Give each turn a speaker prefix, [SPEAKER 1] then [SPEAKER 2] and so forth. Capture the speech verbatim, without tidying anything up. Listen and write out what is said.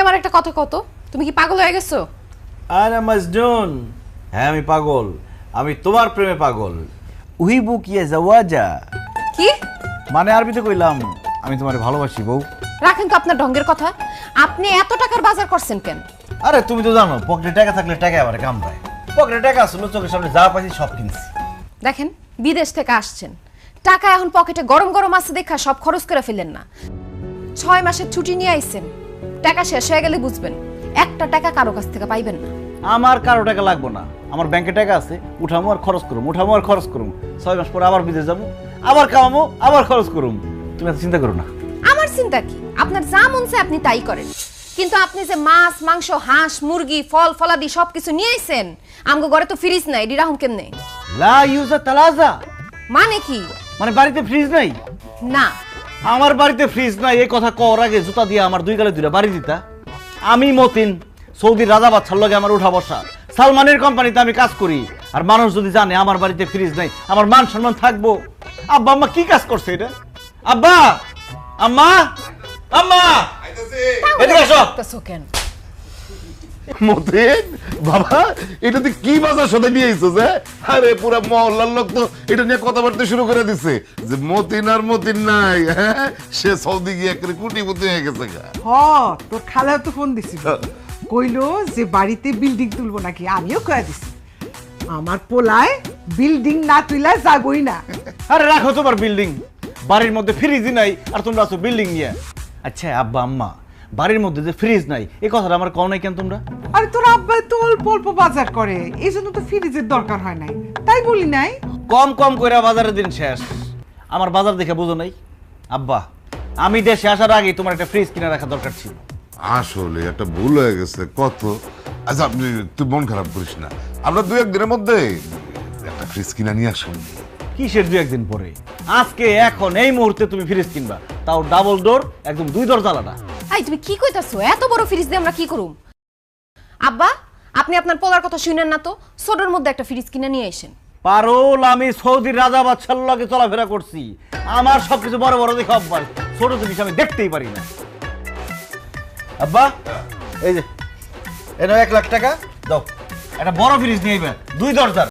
[SPEAKER 1] আমার একটা কথা কত, তুমি কি পাগল হয়ে গেছো?
[SPEAKER 2] আরে মজনুন, হ্যাঁ আমি পাগল, আমি তোমার প্রেমে পাগল। উহিবু কিয়া জাওয়াজা,
[SPEAKER 1] কি
[SPEAKER 2] মানে আরবিতে কইলাম আমি তোমারে ভালোবাসি বউ।
[SPEAKER 1] রাখেন তো আপনার ঢঙ্গের কথা। আপনি এত টাকার বাজার করছেন কেন?
[SPEAKER 2] আরে তুমি তো জানো পকেটে টাকা থাকলে টাকা আবার কামড়ায়। পকেটে টাকা আসলো, চোখের সামনে যা পাইছি সব কিনছি।
[SPEAKER 1] দেখেন, বিদেশ থেকে আসছেন, টাকা এখন পকেটে গরম গরম আছে দেখা সব খরচ করে ফেলেন না। ছয় মাসের ছুটি নিয়ে আইছেন, টাকা শেষ হয়ে গেলে বুঝবেন একটা টাকা কারো কাছ থেকে পাইবেন না।
[SPEAKER 2] আমার কারো টাকা লাগবো না, আমার ব্যাংকে টাকা আছে, উঠামো আর খরচ করুম, উঠামো আর খরচ করুম। ছয় মাস পরে আবার বিদেশ যাবো, আবার কামাবো, আবার খরচ করুম। তুমি এত চিন্তা করো না।
[SPEAKER 1] আমার চিন্তা কি? আপনার যা মন চায় আপনি তাই করেন, কিন্তু আপনি যে মাছ মাংস হাঁস মুরগি ফল ফলাদি সবকিছু নিয়ে আইছেন, আমগো ঘরে তো ফ্রিজ নাই, ডিরাহুম কেমনে?
[SPEAKER 2] লা ইউজা তালাজা
[SPEAKER 1] মানে কি?
[SPEAKER 2] মানে বাড়িতে ফ্রিজ নাই?
[SPEAKER 1] না,
[SPEAKER 2] আমার বাড়িতে ফ্রিজ নাই এই কথা কওয়ার আগে জুতা দিয়ে আমার দুই গালে দুইটা বাড়ি দিতা। আমি মতিন, সৌদির রাজা বাদশার লগে আমার উঠা বসা, সালমানের কোম্পানিতে আমি কাজ করি। আর মানুষ যদি জানে আমার বাড়িতে ফ্রিজ নাই, আমার মান সম্মান থাকবো? আব্বা আম্মা কি কাজ করছে এটা? আব্বা আম্মা আম্মা এদিকে আসো।
[SPEAKER 1] দেখতেছো কেন?
[SPEAKER 3] মতিন বাবা, এটাতে কি বাজার সাথে নিয়ে আইছো যে? আরে পুরা মহল্লার লোক তো এটা নিয়ে কথাবার্তা শুরু করে দিছে যে মতিন আর মতিন নাই, হ্যাঁ সে সৌদি গিয়ে একেবারে কুটিপতি হয়ে গেছে গা।
[SPEAKER 4] হ, তোর খালা তো ফোন দিছিল, কইলো যে বাড়িতে বিল্ডিং তুলবো নাকি। আমিও কয়ে দিছি আমার পোলায় বিল্ডিং না তুইলা যাবই না।
[SPEAKER 2] আরে রাখো তোমার বিল্ডিং, বাড়ির মধ্যে ফ্রিজই নাই আর তোমরা আছো বিল্ডিং নিয়ে। আচ্ছা আব্বা আম্মা, বাড়ির মধ্যে যে ফ্রিজ নাই এই কথাটা আমার কও নাই কেন তোমরা?
[SPEAKER 4] আরে তোর আব্বা তো অল্প অল্প বাজার করে, এই জন্য তো ফ্রিজের দরকার হয় নাই, তাই বলি নাই।
[SPEAKER 2] কম কম করে বাজারের দিন শেষ, আমার বাজার দেখে বুঝো নাই? আব্বা আমি দেশে আসার আগে তোমার একটা ফ্রিজ কিনে রাখা দরকার ছিল।
[SPEAKER 3] আসলে একটা ভুল হয়ে গেছে কত। আচ্ছা আপনি তুই মন খারাপ করিস না, আমরা দুই একদিনের মধ্যে একটা ফ্রিজ কিনা নিয়ে আসুন।
[SPEAKER 2] কিসের দু একদিন পরে? আজকে এখন এই মুহূর্তে তুমি ফ্রিজ কিনবা, তাও ডাবল ডোর, একদম দুই দরজালাটা।
[SPEAKER 1] আই তুমি কি কইতাছো? এত বড় ফ্রিজ দিয়ে আমরা কি করুম? আব্বা আপনি আপনার পোলার কথা শুনেন না তো, ছোটর মধ্যে একটা ফ্রিজ কিনে নিয়ে আসেন।
[SPEAKER 2] পারোল, আমি সৌদির রাজা বাদশার লগে চলাফেরা করছি, আমার সবকিছু বড় বড় দেখে অভ্যাস, ছোট জিনিস আমি দেখতেই পারি না। আব্বা এই যে এনো এক লাখ টাকা দাও, একটা বড় ফ্রিজ নিয়ে আইবা, দুই দরজার।